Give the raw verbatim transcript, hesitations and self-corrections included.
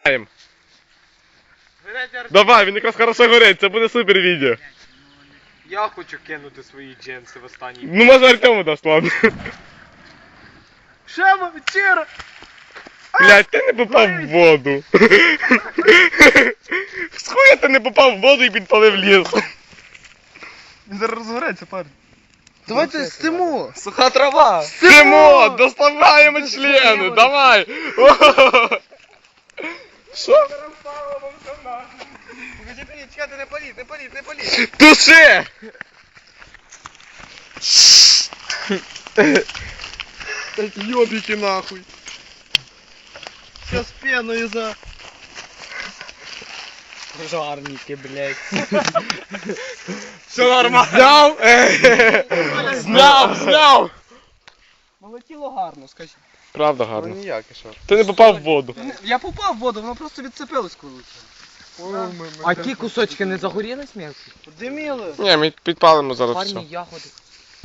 Давай, він якраз хорошо горить, це буде супер відео. Я хочу кинути свої джинси в останній. Ну може Артему дасть, ладно. Шема, вечера! Блядь, ти не попав в воду. З хуя ти не попав в воду і підпалив ліс. Він зараз розгореться, парень. Давайте стиму! Суха трава! Тимо, доставаємо члени, давай. Що? Чекайте, не паліть, не паліть, не паліть! Туши! Эти ёбики нахуй. Сейчас пеною за... Жарники, блядь. Все нормально. Зняв? Зняв, зняв. Полетіло гарно, скажи. Правда Ну гарно. ніяк, і що? Ти не попав в воду. Я попав в воду, воно просто відцепилось коли. А ті кусочки не загорілись м'ясо? Диміли. Ні, ми підпалимо зараз Парні все. ягоди.